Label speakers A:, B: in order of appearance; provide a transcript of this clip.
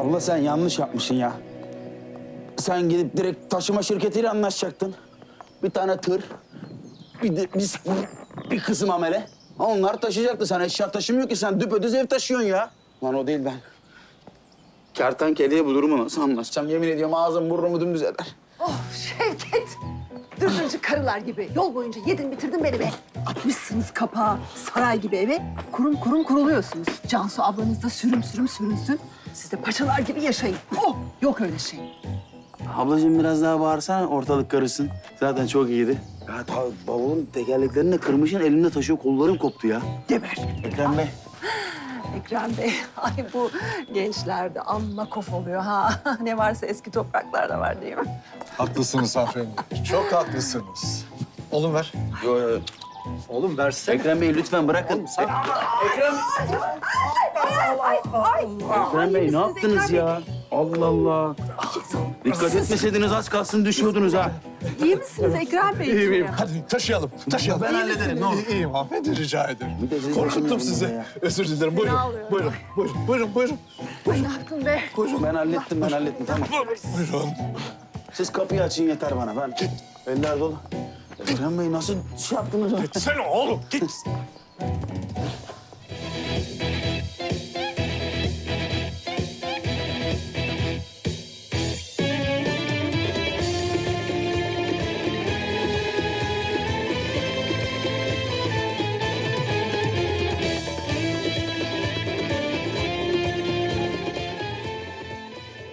A: Abla sen yanlış yapmışsın ya. Sen gidip direkt taşıma şirketiyle anlaşacaktın. Bir tane tır, bir kısım amele. Onlar taşıyacaktı. Sen eşya taşımıyor ki. Sen düpedüz ev taşıyorsun ya. Lan o değil ben. Kertenkeleye bu durumu nasıl anlatacağım? Yemin ediyorum ağzım burnumu dümdüz eder.
B: Oh Şevket. Dırdırcı karılar gibi yol boyunca yedin bitirdin beni be. Atmışsınız kapağı saray gibi eve. Kurum kurum kuruluyorsunuz. Cansu ablanız da sürüm sürüm sürünsün. Siz de paçalar gibi yaşayın. Oh yok öyle şey.
A: Ablacığım biraz daha bağırsana ortalık karışsın. Zaten çok iyiydi. Ya bavulun tekerleklerini de kırmışın elimde taşıyor. Kollarım koptu ya.
B: Geber.
A: Ekrem Bey.
B: Ekrem Bey, ay bu gençlerde amma kof oluyor ha. Ne varsa eski topraklarda var değil mi?
C: Haklısınız hanımefendi. Çok haklısınız. Oğlum ver.
A: Yo, yo.
C: Oğlum versene.
A: Ekrem Bey lütfen bırakın. Ekrem Bey ne yaptınız ya? Allah Allah. Dikkat etmeseydiniz az kalsın düşüyordunuz ha.
B: İyi misiniz Ekrem Bey?
C: İyiyim, iyiyim. Hadi taşıyalım, taşıyalım.
A: Ben hallederim, ne olur.
C: İyiyim hanımefendi, rica ederim.
A: Bir de siz
C: Korkuttum
A: başımın
C: sizi.
A: yanında ya.
C: Özür dilerim. Buyurun,
B: Fena oluyor.
C: buyurun, buyurun.
B: Ne yaptın be?
A: Ben hallettim tamam.
C: Buyurun.
A: Siz kapıyı açın yeter bana. Ben eller dolu. Ekrem Bey nasıl şey yaptınız?
C: Sen oğlum, git.